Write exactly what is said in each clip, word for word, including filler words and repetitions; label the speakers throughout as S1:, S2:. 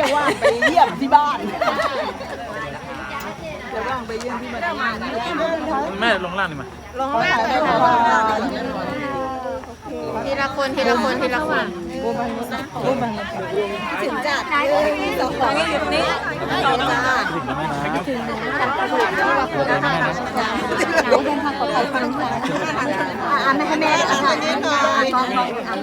S1: ว่างไปเยี่ยมที่บ้านจะว่างไปเยี่ยมที่บ้าน
S2: แม่ลงล่างนี่มา
S1: ลงล่างเลย
S3: ทีละคนทีละคนทีละคน
S1: ถึงจัดสองคนอยู่ตรงนี้สองจ้าถึงแล้วนะถึงเดินทางปลอดภัยฟังค่ะอ่านให้แม่อ่านนิดหน่อยอ่าน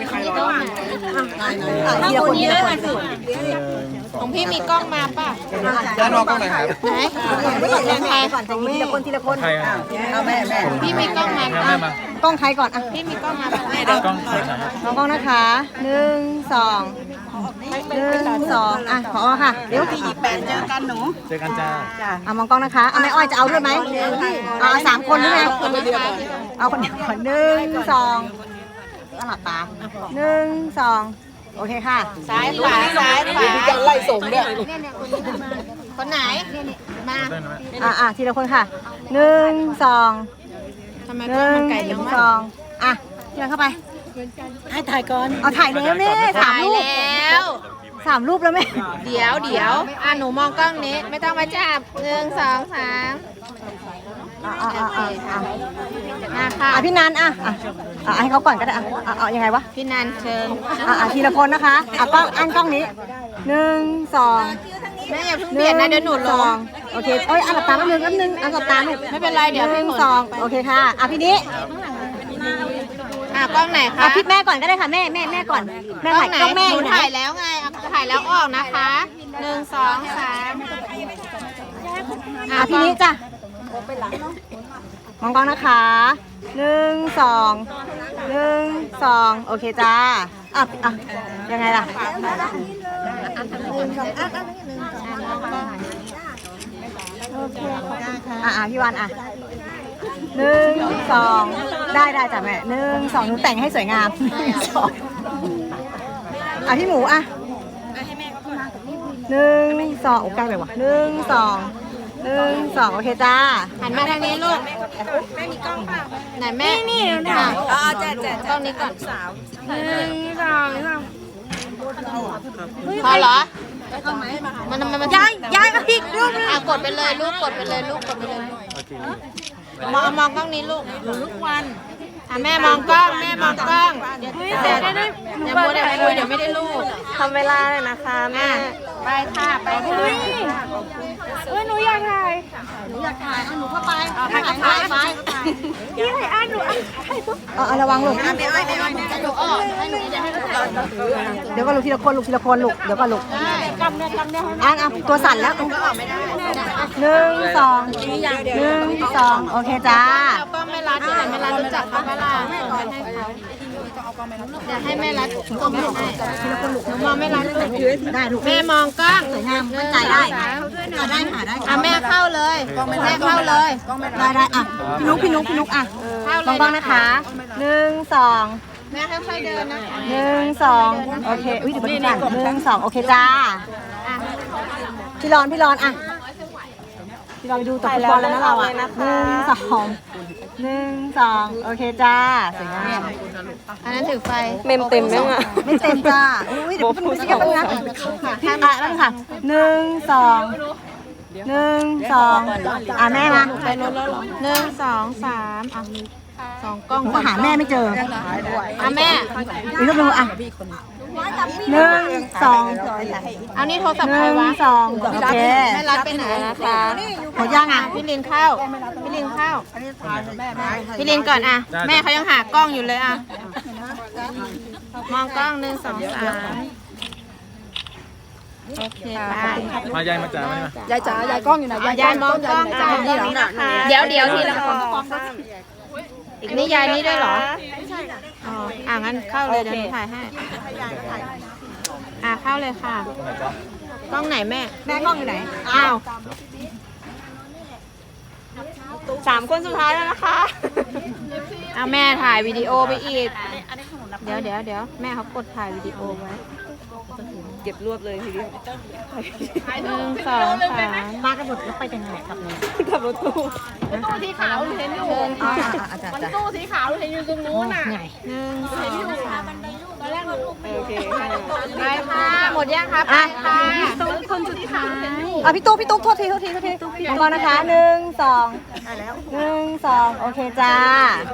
S1: อ่านทีละคนทีละคน
S3: ของพี่มีกล้องมาป่ะ
S2: ด้านนอกกล้องไหนครับ
S3: ไหนใคร
S1: ก่อนจะทีละคนทีละคนเอาแม่แม่
S3: พี่มีกล้องมาก
S1: ล้องใครก่อนอ่ะ
S3: พี่มีกล้องมาป่ะ
S2: กล้อง
S1: น้องกล้องนะคะหนึ่งสองหนึ่งสองอ่ะขอค่ะเดี๋ยวพี่หยิบแปดเจอกันหนู
S2: เจอกันจ้า
S1: อ่ะมองกล้องนะคะเอาแม่อ้อยจะเอาด้วยไหมเอาสามคนหรือไงเอาคนเดียวก่อนหนึ่งสองหลับตาหนึ่งสองโอเคค่ะ
S3: ซ้ายขวาซ้ายขวา
S1: จะไล่ส่งเนี่ย
S3: คนไหนมา
S1: อ่ะอ่ะทีละคนค่ะหนึ่งสอง
S3: หนึ่ง
S1: สองอ่ะเดินเข้าไปให้ถ่ายก่อนเอาถ่ายแล้วแม่สามรูป
S3: แล้ว
S1: สามรูปแล้วแม่
S3: เดี๋ยวเดี๋ยวอ่ะหนูมองกล้องนี้ไม่ต้องมาจับหนึ่งสองสาม
S1: อ่ะอ่ะอ่ะอ่ะ
S3: มาค่ะ
S1: อ่ะพี่นันอ่ะอ่ะอ่ะให้เขาก่อนก็ได้อ่ะเอายังไงวะ
S3: พี่นันเชิญ
S1: อ่ะอ่ะทีละคนนะคะอ่ะกล้องอันกล้องนี้หนึ่งสอง
S3: แม่อย่าเพิ่งเบียดนะเดี๋ยวหนูลง
S1: โอเคเอ้ยอันหลับตาแป๊บนึงแป๊บนึงอันหลับตาลูก
S3: ไม่เป็นไรเดี๋ยว
S1: หนึ่งสองโอเคค่ะอ่ะพี่นี้
S3: อ่ะกล้องไหนคะ
S1: อ่ะพี่แม่ก่อนก็ได้ค่ะแม่แม่แม่ก่อนแม่ถ่ายกล้องแม่
S3: หนูถ่ายแล้วไงถ่ายแล้วออกนะคะหนึ่งสองสาม
S1: อ่ะพี่นี้จ้ะมองกล้องนะคะหนึ่งสองหนึ่งสองโอเคจ้าอ่ะอ่ะยังไงล่ะอ่ะอ่ะพี่วันอ่ะหนึ่งสองได้ได้จ้ะแม่หนึ่งสองหนูแต่งให้สวยงามสองอ่ะพี่หมูอ่ะหนึ่งสองโอ้ใกล้ไปว่ะหนึ่งสองหนึ่งสองโอเคจ้า
S3: หันมาทางนี้ลูกแม่มีกล้องเปล่าไหนแม่นี่นี่อ๋อแจ๊แจ๊กล้องนี้ก่อนสาวหนึ่งสองสามพอเหรอมันมันมันย้ายย้ายอีกลูกอ่ะกดไปเลยลูกกดไปเลยลูกกดไปเลยมองมองกล้องนี้ลูกลูกวันอ่ะแม่มองกล้องแม่มองกล้องเดี๋ยวได้อย่ามัวแต่คุยเดี๋ยวไม่ได้ลูก
S1: ทำเวลาเลยนะคะแม่
S3: ไปค่ะไปค่ะ
S1: เฮ้ยหนูอยากถ่ายหนูอยากถ่ายเอาหนูเข้าไปถ่ายเข้าไปไปพี่ถ่ายอ่ะหนูเอาระวังลูก
S3: ไม่อ้อยไม่อ้อยจะหนูออกให้หนูจะให้หนูถ่าย
S1: เดี๋ยวก็ลูกทีละคนลูกทีละคนลูกเดี๋ยวก็ลูกกำเนี่ยกำเนี่ยอ่ะอ่ะตัวสั่นแล้ว
S3: ก็ออกไม่ได้
S1: หนึ่งสองหนึ่งสองโอเคจ้า
S3: ก็ไม่รัดเดี๋ยวไม่รัดรู้จักเขาเวลาให้เขาเดี๋ยวให้แม่รัดส่งให้ทีละคนลูกมองไม่รัด
S1: ได้ลูก
S3: แม่มองกล้อง
S1: สวยงามมั่นใจได้ได้ค่ะได้
S3: อ่ะแม่เข้าเลยแม่เข้าเลย
S1: ได้ได้อ่ะพี่นุ๊กพี่นุ๊กพี่นุ๊กอ่ะลองบ้างนะคะหนึ่งสอง
S3: แม่ค่อยๆเดินนะคะ
S1: หนึ่งสองโอเคอุ้ยเดี๋ยวก่อนหนึ่งสองโอเคจ้าพี่รอนพี่รอนอ่ะพี่รอนไปดูตบฟุตบอลแล้วนะเราอ่ะหนึ่งสองหนึ่งสองโอเคจ้าสวยงาม
S3: อันนั้นถือไฟ
S1: เมมเต็มไหมอ่ะไม่เต็มจ้าอุ้ยเดี๋ยวพี่นุ๊กจะกันนะอ่ะนั่นค่ะหนึ่งสองหนึ่งสองอ่ะแม่มา
S3: ไปรถแล้วหรอหนึ่งสองสามอ่ะสองกล้อง
S1: ก็หาแม่ไม่เจอ
S3: อ่ะแม่
S1: อีกรูปนึงอ่ะหนึ่งสอง
S3: เอานี่โทรศัพท์ใครวะ
S1: สองโอเค
S3: แม่รัดไปไหนนะคะ
S1: หมดย่างอ่ะ
S3: พี่ลินเข้าพี่ลินเข้าพี่ลินก่อนอ่ะแม่เขายังหากล้องอยู่เลยอ่ะมองกล้องหนึ่งสองสามโอเค
S2: มายายมาจ๋าไหมม
S1: ายายจ๋ายายกล้องอยู่ไหน
S3: ยายมองกล้องจ้าเดี๋ยวเดี๋ยวทีละคนอีกนี่ยายนี่ด้วยเหรออ๋ออ่ะงั้นเข้าเลยเดี๋ยวถ่ายให้อ่ะเข้าเลยค่ะกล้องไหนแม่
S1: แม่กล้องอยู่ไหน
S3: อ้าว
S1: สามคนสุดท้ายแล้วนะคะ
S3: อ่ะแม่ถ่ายวิดีโอไปอีกเดี๋ยวเดี๋ยวเดี๋ยวแม่เขากดถ่ายวิดีโอไว้
S1: เก็บรวบเลยทีเดียว
S3: หนึ่งสองสาม
S1: มากันหมดแล้วไปยังไงครับเนี่ย
S3: ขับรถตู้
S4: ตู้สีขาวเห็นอยู่มันตู้สีขาวเห็นอยู่ตรงนู้นน่ะ
S3: หนึ่งสองสาม
S4: ตอนแรกเราโอเค
S3: ไปค่ะหมดยังครับไปค่ะ
S1: อ่ะพี่ตุ๊กพี่ตุ๊กโทษทีโทษทีโทษทีมองกล้องนะคะหนึ่งสองหนึ่งสองโอเคจ้า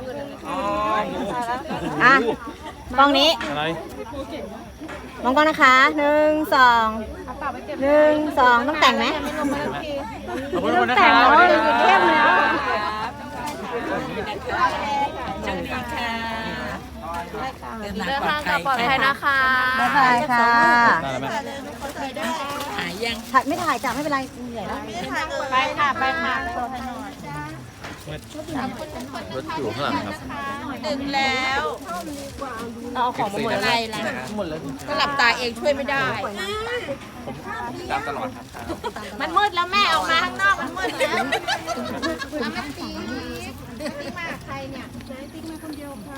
S1: อ่ะกล้องนี้
S2: อะไร
S1: มองกล้องนะคะหนึ่งสองหนึ่งสองต้องแต่งไหม
S2: ขอบคุณนะครับ
S1: เข้มแล้ว
S3: เดินทางกลับปลอดภัยนะคะ
S1: บ๊ายบายค่ะ
S2: ได้แล้วแม่
S3: หายยัง
S1: ถ่ายไม่ถ่ายจ้ะไม่เป็นไรเหนื่อยแล้ว
S3: ไปค่ะไปค่ะ
S2: รถอยู่ข้างหลังครับ
S3: ดึงแล้ว
S1: เอาของมาหมด
S3: อะไรล่ะก็หลับตาเองช่วยไม่ได้
S2: ผมตามตลอดครับ
S3: มันมืดแล้วแม่ออกมาข้างนอกมันมืดแล้วแล้วแม่ตีตีมาใครเนี่ยตีมาคนเดียวค่ะ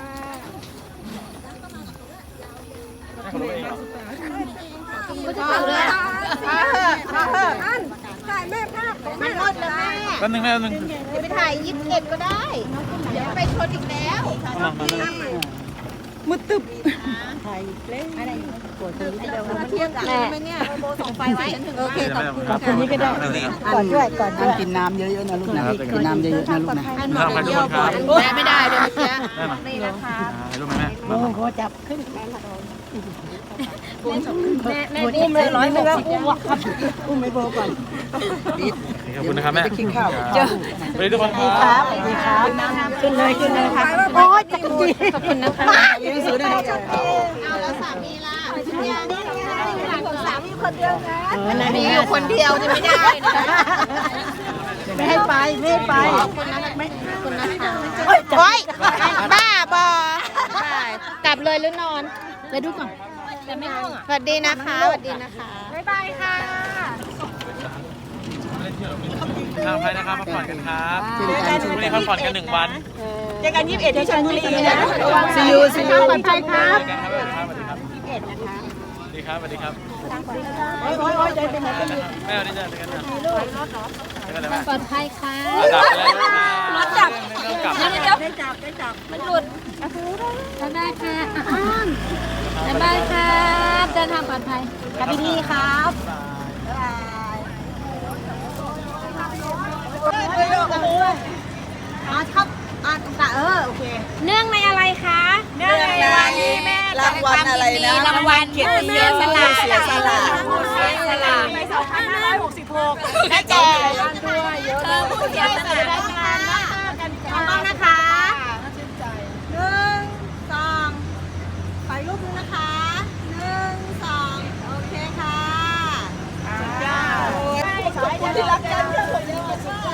S2: ให้เขารู้เองเหรอ
S3: ก็จะเอาเลยเอาเถอะเอาเถอะถ่ายแม่ภาพมันมืดแล้วแม่
S2: แป๊บนึงแม่แป๊บนึง
S3: ไปถ่ายยี่สิบเอ็ดก็ได้ เดี๋ยวไปชนอีกแล้ว
S2: มามามา
S1: มืดตึบ
S3: แม่โบส่งไฟไว้โอเคขอบคุณ
S2: ขอบคุณนี่ก็ได้
S1: ก่อนด้วยก่อนด้วย
S5: กินน้ำเยอะๆนะลูกนะกินน้ำเยอะๆนะลูกนะ
S2: ขอบคุณทุกคนครับ
S3: แม่ไม่ได้เลยเมื่อกี้
S2: แม่มา
S3: นี่นะคะ
S2: ถ่ายรูปไหมแม่
S1: โอ้โหจับขึ้น
S3: แม่แม่อุ้มเลยร้อยหกสิบ
S1: อุ้มไม่โบก่อน
S2: ขอบคุณนะครับแม่
S5: กินข้าว
S2: สวัสดีทุกคนครับ
S1: สวัสดีครับขึ้นเลยขึ้นเลยค่ะโอ้ยจักรจี
S3: ขอบคุณนะคะ
S5: ยืนซื้อได้ไหม
S3: เอาแล้วสามีล่ะสามีคนเดียวนะมีอยู่คนเดียวจะไม่ได้นะ
S1: ไม่ให้ไปไม่ให้ไป
S3: ขอบคุณนะคะไม่ขอบคุณนะคะโอ๊ยบ้าบอกลับเลยหรือนอนไปดูก่อนสวัสดีนะคะสวัสดีนะคะบ๊ายบายค่ะ
S2: ทางไปนะครับพักผ่อนกันครับวันนี้พักผ่อนกันหนึ่งวัน
S1: เจอกันยี่สิบเอ็ดที่ชลบุรีนะ
S5: ซีอูซีอู
S1: ปลอดภัยครับ
S2: เจอกันครับสวัสดีครับยี่สิบเอ็ดนะคะสวัสดีครับสวัสดีครับ
S1: โอ้ยโอ้ยโอ้ยใจเป็นไหนเป็น
S2: แม่วันนี้เจอกันนะเจอกันเลยแม่
S3: ปลอดภัยค่ะ
S2: ดับไปแล้วรถดับเริ่มกลับ
S3: เดี๋ยวเดี๋ยวได้จับได้จับมันหลุดบ๊ายบายค่ะบ๊ายบายครับเดินทางปลอดภัย
S1: กลับดีๆครับอ๋อชอบอ่ะตะเออโอเค
S3: เนื่องในอะไรคะเนื่องในวันที่แม่
S5: รางวัลอะไรนะ
S3: รางวัลเกียรติยศสละ
S5: เสียสละ
S3: เสียสละ
S1: ในสองพันห้าร้อยหกสิบหก
S3: แม่แก่เธอผู้เสียสละได้งานมากกัน
S1: มองกล้องนะคะหนึ่งสองขออีกรูปนึงนะคะหนึ่งสองโอเคค่ะขอบคุณที่รักกันเพื่อนผมเนี่ย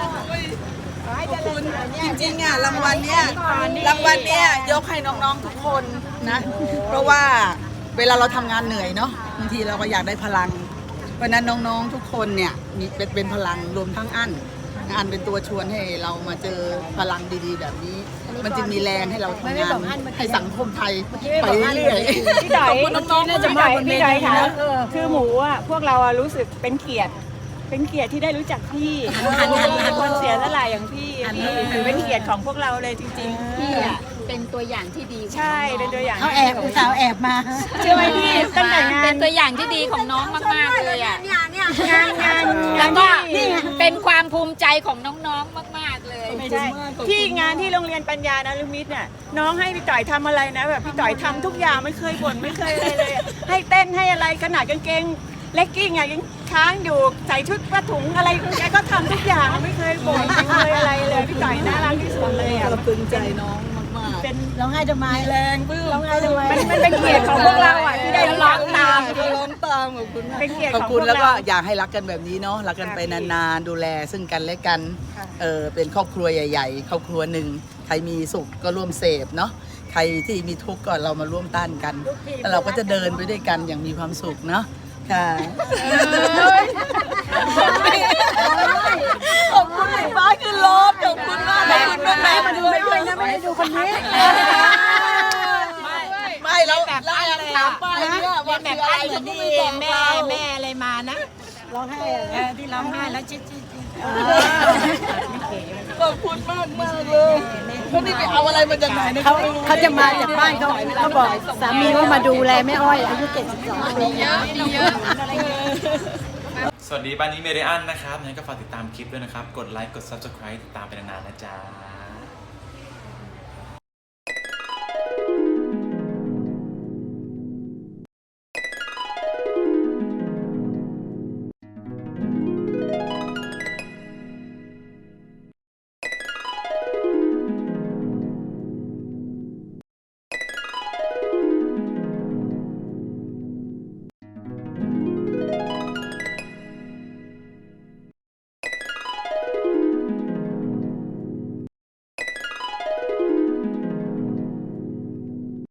S5: จริงๆอ่ะรางวัลเนี้ยรางวัลเนี้ยยกให้น้องๆทุกคนนะ เพราะว่าเวลาเราทำงานเหนื่อยเนาะบางทีเราก็อยากได้พลังเพราะนั้นน้องๆทุกคนเนี่ยมีเป็นเป็นพลังรวมทั้งอันอันเป็นตัวชวนให้เรามาเจอพลังดีๆแบบนี้ มันจึงมีแรงให้เราทำงานให้สังคมไทยไปเรื่อยๆ
S6: พี่ดอยน้องๆน่าจะมาบนเวทีค่ะคือหมูอ่ะพวกเราอะรู้สึกเป็นเกียรติ เป็นเกียรติที่ได้รู้จักพี่คนเสียสละอย่างพี่พี่ถือเป็นเกียรติของพวกเราเลยจริงๆ
S3: พี่อ่ะเป็นตัวอย่างที่ดี
S6: ใช่เป็นตัวอย่าง
S1: เขาแอบอุตส่าห์แอบมา
S6: เชื่อไหมพี่ตั้งแต่งาน
S3: เป็นตัวอย่างที่ดีของน้องมากๆเลยอ่ะ
S1: เนี่ยเนี่ย
S6: งานงาน
S3: แล้วก็เป็นความภูมิใจของน้องๆมากๆเลย
S6: ไม่ใช่ที่งานที่โรงเรียนปัญญานารุมิตรเนี่ยน้องให้พี่ต่อยทำอะไรนะแบบพี่ต่อยทำทุกอย่างไม่เคยบ่นไม่เคยอะไรเลยอะให้เต้นให้อะไรขนาดกางเกงเลกกิ้งอ่ะยังค้างอยู่ใส่ชุดผ้าถุงอะไรแกก็ทำทุกอย่างไม่เคยบ่นไม่เคยอะไรเลยพี่ต่อยน่ารักที่สุดเลยอ่ะ
S5: เราปลื้มใจน้องมากๆ
S6: เป็น
S1: ร้องไห้ทำไม
S5: แรงปลื้ม
S1: ร้องไห้ทำไม
S6: มันมันเป็นเกียรติของพวกเราอ่ะที่ได้ร้องตาม
S5: ร้องตามขอบคุณมาก
S6: เป็นเกียรติ
S5: ขอบ
S6: ของพ
S5: คุ
S6: ว
S5: ณ
S6: ก
S5: แล้วก็
S6: เรา
S5: อยากให้รักกันแบบนี้เนาะรักกันไปนานๆดูแลซึ่งกันและกันเออเป็นครอบครัวใหญ่ๆครอบครัวหนึ่งใครมีสุขก็ร่วมเสพเนาะใครที่มีทุกข์ก็เรามาร่วมต้านกันแล้วเราก็จะเดินไปด้วยกันอย่างมีความสุขเนาะค่ะขอบคุณหลิฟ้าคือรถขอบคุณมากขอบคุณมากแม่มาดูไม่ด้วยนะไม่ได้ดูคนนี้ไม่แล้วไล่อะไรถามป้ายเนี่ยว่าคืออะไรเขาก็ไม่บอกเรา
S3: แม่อะไรมานะ
S1: ร้องไห้อะไร
S3: ที่ร้องไห้แล้วจิ๊ดจิ๊ด
S5: ขอบคุณมากมากเลยเขานี่ไปเอาอะไรมาจากไหนเนี่ย
S1: เขาเขาจะมาจากบ้านเขาเขาบอกสามีว่ามาดูแลแม่อ้อยอายุเจ็ดสิบสองปี
S3: เยอะดีเยอะ
S2: สวัสดีบ้านนี้เมเดียนนะครับงั้นก็ฝากติดตามคลิปด้วยนะครับ กดไลค์ กด ซับสไครบ์ ติดตามไปนานๆนะจ๊ะ